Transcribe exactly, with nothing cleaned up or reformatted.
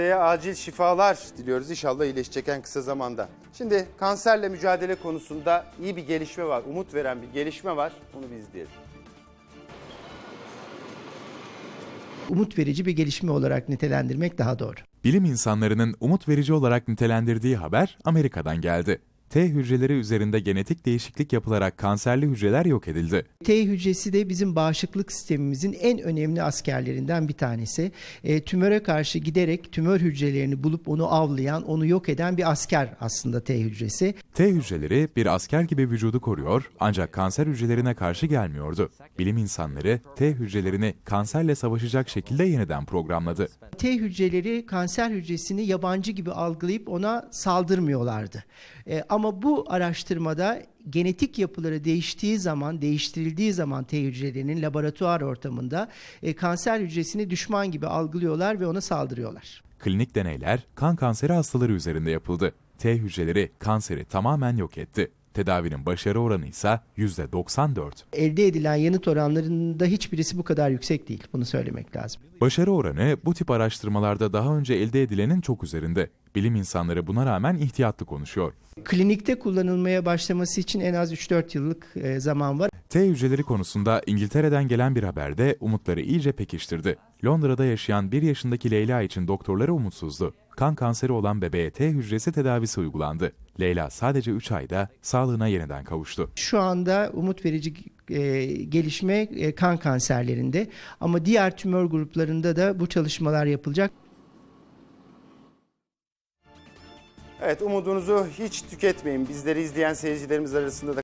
Acil şifalar diliyoruz. İnşallah iyileşecek en kısa zamanda. Şimdi kanserle mücadele konusunda iyi bir gelişme var. Umut veren bir gelişme var. Onu bir izleyelim. Umut verici bir gelişme olarak nitelendirmek daha doğru. Bilim insanlarının umut verici olarak nitelendirdiği haber Amerika'dan geldi. T hücreleri üzerinde genetik değişiklik yapılarak kanserli hücreler yok edildi. T hücresi de bizim bağışıklık sistemimizin en önemli askerlerinden bir tanesi. E, tümöre karşı giderek tümör hücrelerini bulup onu avlayan, onu yok eden bir asker aslında T hücresi. T hücreleri bir asker gibi vücudu koruyor ancak kanser hücrelerine karşı gelmiyordu. Bilim insanları T hücrelerini kanserle savaşacak şekilde yeniden programladı. T hücreleri kanser hücresini yabancı gibi algılayıp ona saldırmıyorlardı. E, ama bu araştırmada genetik yapıları değiştiği zaman, değiştirildiği zaman T hücrelerinin laboratuvar ortamında e, kanser hücresini düşman gibi algılıyorlar ve ona saldırıyorlar. Klinik deneyler kan kanseri hastaları üzerinde yapıldı. T hücreleri kanseri tamamen yok etti. Tedavinin başarı oranı ise yüzde doksan dört. Elde edilen yanıt oranlarında hiçbirisi bu kadar yüksek değil. Bunu söylemek lazım. Başarı oranı bu tip araştırmalarda daha önce elde edilenin çok üzerinde. Bilim insanları buna rağmen ihtiyatlı konuşuyor. Klinikte kullanılmaya başlaması için en az üç dört yıllık e, zaman var. T hücreleri konusunda İngiltere'den gelen bir haber de umutları iyice pekiştirdi. Londra'da yaşayan bir yaşındaki Leyla için doktorları umutsuzdu. Kan kanseri olan bebeğe T hücresi tedavisi uygulandı. Leyla sadece üç ayda sağlığına yeniden kavuştu. Şu anda umut verici e, gelişme e, kan kanserlerinde ama diğer tümör gruplarında da bu çalışmalar yapılacak. Evet, umudunuzu hiç tüketmeyin. Bizleri izleyen seyircilerimiz arasında da